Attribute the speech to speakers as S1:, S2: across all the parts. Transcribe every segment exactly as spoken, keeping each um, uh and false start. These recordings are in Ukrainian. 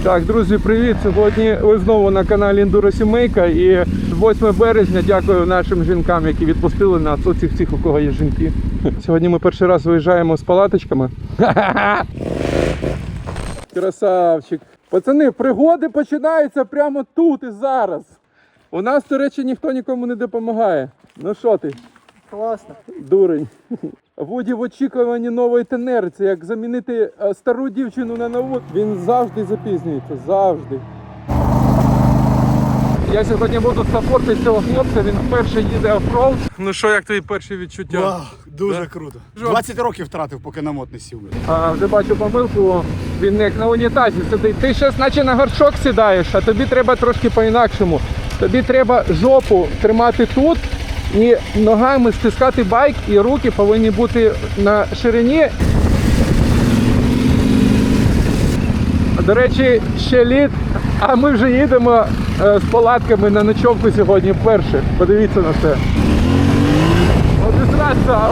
S1: Так, друзі, привіт! Сьогодні ви знову на каналі Ендуро Сімейка і восьме березня дякую нашим жінкам, які відпустили нас, оцих всіх, у кого є жінки. Сьогодні ми перший раз виїжджаємо з палаточками. Красавчик! Пацани, пригоди починаються прямо тут і зараз. У нас, до речі, ніхто нікому не допомагає. Ну що ти?
S2: Класно.
S1: Дурень. Вуді в очікуванні нової тенери. Це як замінити стару дівчину на нову. Він завжди запізнюється. Завжди. Я сьогодні буду саппортити цього хлопця. Він вперше їде оффроуд. Ну що, як твої перші відчуття?
S2: Вау, дуже
S1: Да?
S2: круто. двадцять років втратив, поки на мод не сів.
S1: А, вже бачу помилку. Він як на унітазі сидить. Ти щось наче на горшок сідаєш, а тобі треба трошки по-інакшому. Тобі треба жопу тримати тут. І ногами стискати байк, і руки повинні бути на ширині. До речі, ще літ, а ми вже їдемо з палатками на ночовку сьогодні вперше. Подивіться на це. Обісратися!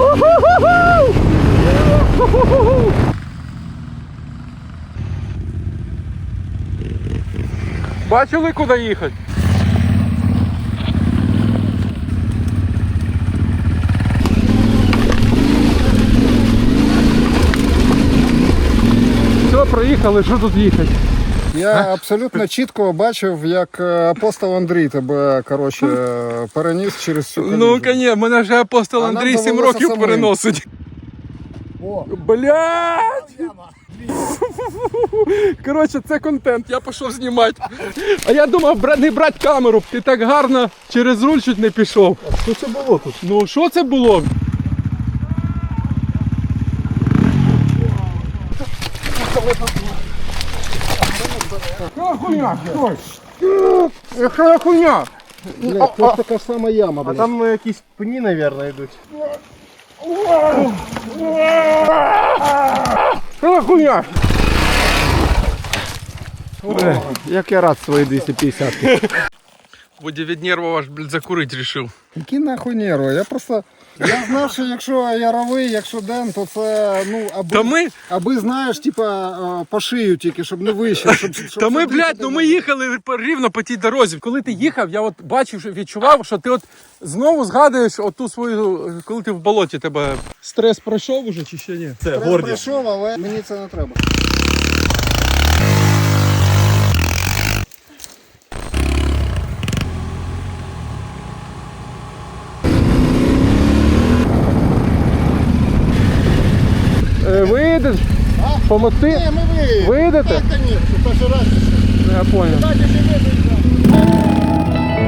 S1: Бачили, куди їхати? Проїхали, що тут їхати?
S3: Я абсолютно чітко бачив, як апостол Андрій тебе, коротше, переніс через цю колію.
S1: Ну, звісно, мене вже апостол
S3: А
S1: Андрій
S3: нам
S1: сім
S3: довелося
S1: років
S3: самим.
S1: переносить.
S3: О,
S1: Блядь! Коротше, це контент, я пішов знімати. А я думав бра- не брати камеру, ти так гарно через руль чуть не пішов.
S3: а що це було тут?
S1: Ну, що це було? Що хуйня? Що? Що хуйня?
S3: Блядь, це така ж сама яма,
S2: А
S3: блядь.
S2: там якісь пні, мабуть, йдуть.
S1: Що хуйня?
S2: Як я рад свої двісті п'ятдесят.
S1: Вуді від нервів аж, блядь, закурити рішив.
S3: Які нахуй нерви? Я просто... Я знав, що якщо яровий, якщо ден, то це, ну, аби,
S1: Та ми,
S3: аби знаєш, типа, по шию тільки, щоб не вище. Щоб, щоб
S1: та ми,
S3: щоб
S1: блядь,
S3: дихати
S1: ну
S3: не
S1: ми їхали по- рівно по тій дорозі. Коли ти їхав, я от бачив, що відчував, що ти от знову згадуєш оту свою, коли ти в болоті тебе. Стрес пройшов уже чи ще ні?
S2: Це
S3: Стрес прийшов, але мені це не треба.
S1: Е, Виїдеш?
S3: А?
S1: Помогти?
S3: Ні, ми виїдемо.
S1: Виїдете?
S3: Так, конечно, перший раз.
S1: Я понял.
S3: Так, якщо виїдемо.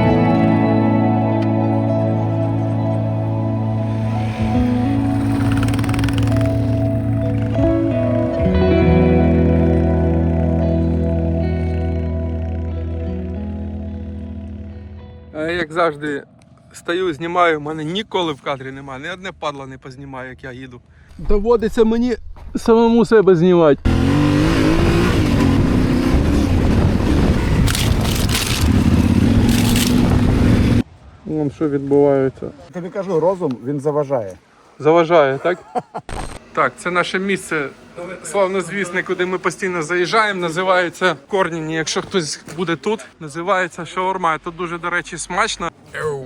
S1: Е, Як завжди, стою, знімаю, в мене ніколи в кадрі немає, ні одне падла не познімаю, як я їду. Доводиться мені самому себе знімати. Вон що відбувається.
S3: Тобі кажу, розум, він заважає.
S1: Заважає, так? Так, це наше місце славнозвісне, куди ми постійно заїжджаємо. Називається Корніні. Якщо хтось буде тут, називається шаурма. Тут дуже, до речі, смачно. Еу.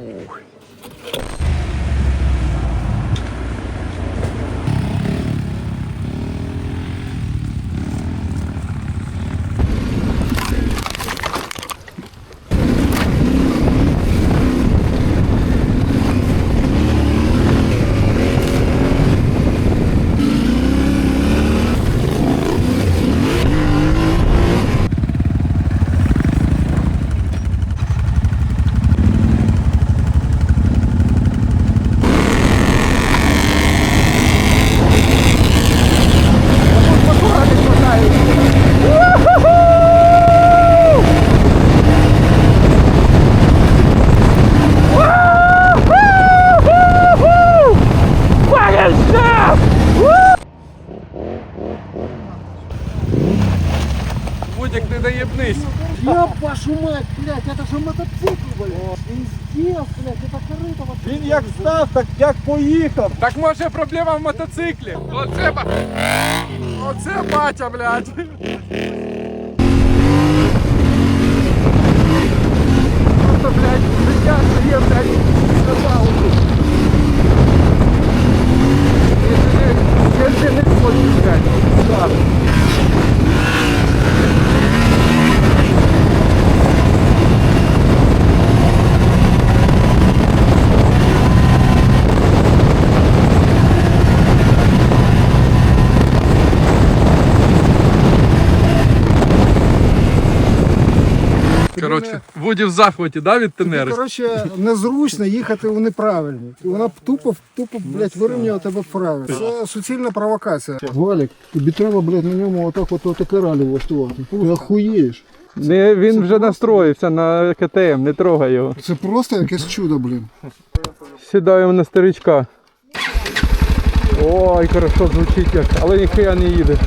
S1: Вудик, не доєбнись.
S3: Я вашу мать, блядь, это же мотоцикл, блядь. Пиздец, блядь, это корыто вообще.
S2: Він як став, так як поїхав.
S1: Так може проблема в мотоциклі? Оце, ба- Оце батя, блядь. просто, блядь, життя стає, блядь, на паузу. Якщо не хочеш, блядь, так. Коротше, Вуді в захваті, да, від
S3: Тобі,
S1: Тенери?
S3: коротше, незручно їхати у неправильні. І вона тупо, тупо, блядь, вирівнює тебе вправо. Це суцільна провокація. Валік, тобі треба, блядь, на ньому отак от отакаралі влаштувати. Ти охуєєш.
S1: Не, він вже настроївся на КТМ, не трогай його.
S3: Це просто якесь чудо, блін.
S1: Сідаємо на старичка. Ой, хорошо звучить як, але ніхуя не їде.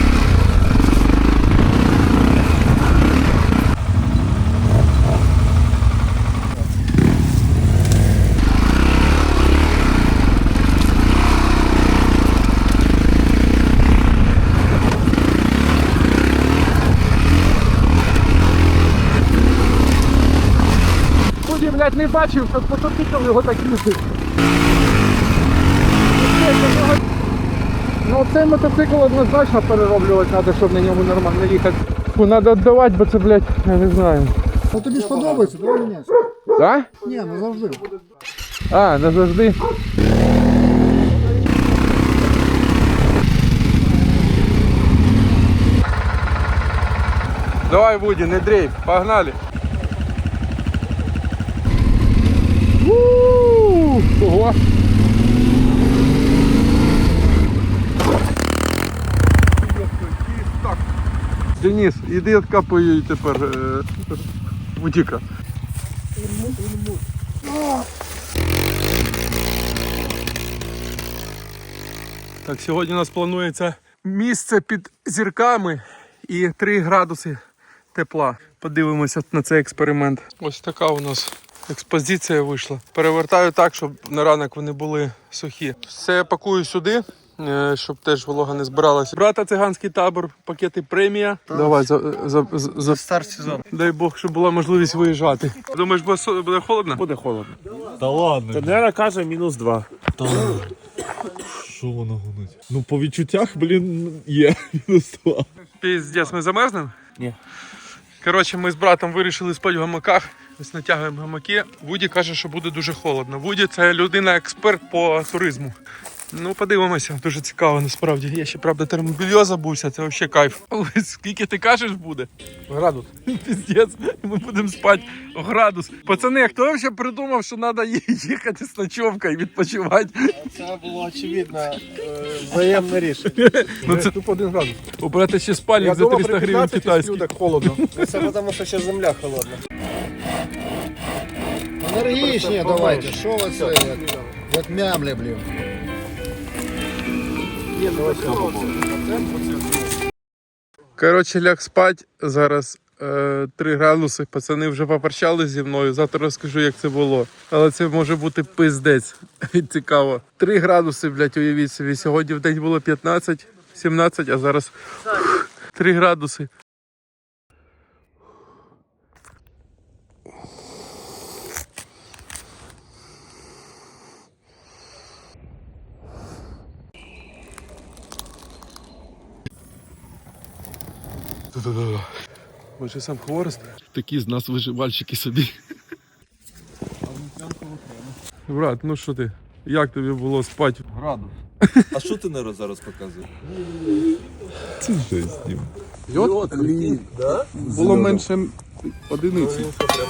S1: Тоді, блядь, не бачив, що мотоцикл його так їздив. Ну цей мотоцикл однозначно перероблювати треба, щоб на ньому нормально їхати. Фу, треба віддавати, бо це, блядь, я не знаю.
S3: Ну тобі ж подобається, давай міняйся.
S1: Да?
S3: Ні, ну завжди.
S1: А, не завжди. Давай, Вуді, не дрейф, погнали. У-у-у! Ого! Денис, іди откапуй її тепер е, Вудіка. Так, сьогодні у нас планується місце під зірками і три градуси тепла. Подивимося на цей експеримент. Ось така у нас експозиція вийшла. Перевертаю так, щоб на ранок вони були сухі. Все я пакую сюди, е, щоб теж волога не збиралася. Брата циганський табор, пакети премія. Давай, за, за, за, за...
S2: Старт сезон.
S1: дай Бог, щоб була можливість виїжджати. Думаєш, буде со- буде холодно?
S4: Буде холодно.
S2: Та ладно.
S4: Тенера каже мінус два.
S5: Що вона гонить? Ну по відчуттях, блін, є мінус два.
S1: Піздець, ми замерзнемо?
S4: Ні.
S1: Коротше, ми з братом вирішили спати в гамаках. Ось натягуємо гамаки. Вуді каже, що буде дуже холодно. Вуді це людина-експерт по туризму. Ну, подивимося, дуже цікаво насправді. Я ще, правда, термобільйо забувся, це взагалі кайф. Ось скільки ти кажеш буде? Градус. Піздець, ми будемо спати градус. Пацани, хто взагалі придумав, що треба їхати з ночовкою, відпочивати?
S2: Це було очевидно взаємне рішення.
S1: Ну це тупо один градус. Обрати ще спальник за триста гривень китайський.
S2: так холодно. Це тому, що ще земля холодна.
S3: Енергічні давайте, що ви це, як, як мямлі, блін.
S1: Коротше, ляг спать. Зараз е, три градуси. Пацани вже попрощались зі мною. Завтра розкажу, як це було. Але це може бути пиздець. Цікаво. три градуси, блядь, уявіть собі. Сьогодні в день було п'ятнадцять, сімнадцять, а зараз три градуси. Може сам хворост?
S5: Такі з нас виживальщики собі.
S1: Брат, ну що ти? Як тобі було спати?
S2: Градус.
S6: А що ти не зараз показуєш?
S5: Це жесть, Дім.
S1: Йод? Да? Було менше одиниці.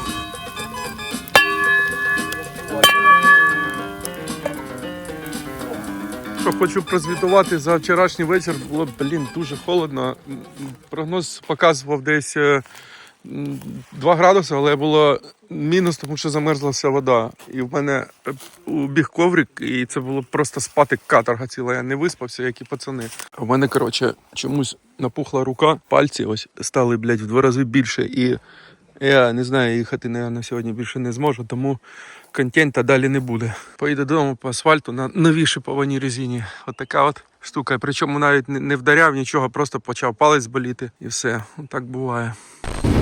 S1: Що хочу прозвітувати за вчорашній вечір. Було, блін, дуже холодно. Прогноз показував десь е, м, два градуси, але було мінус, тому що замерзла вся вода. І в мене е, убіг коврик, і це було просто спати каторга ціла. Я не виспався, як і пацани. А в мене, коротше, чомусь напухла рука, пальці ось стали, блядь, в два рази більше. І я не знаю, їхати, наверное, сьогодні більше не зможу, тому контента далі не буде. Поїду додому по асфальту на новій шипованій резині. От така от штука. Причому навіть не вдаряв нічого, просто почав палець боліти і все. Так буває.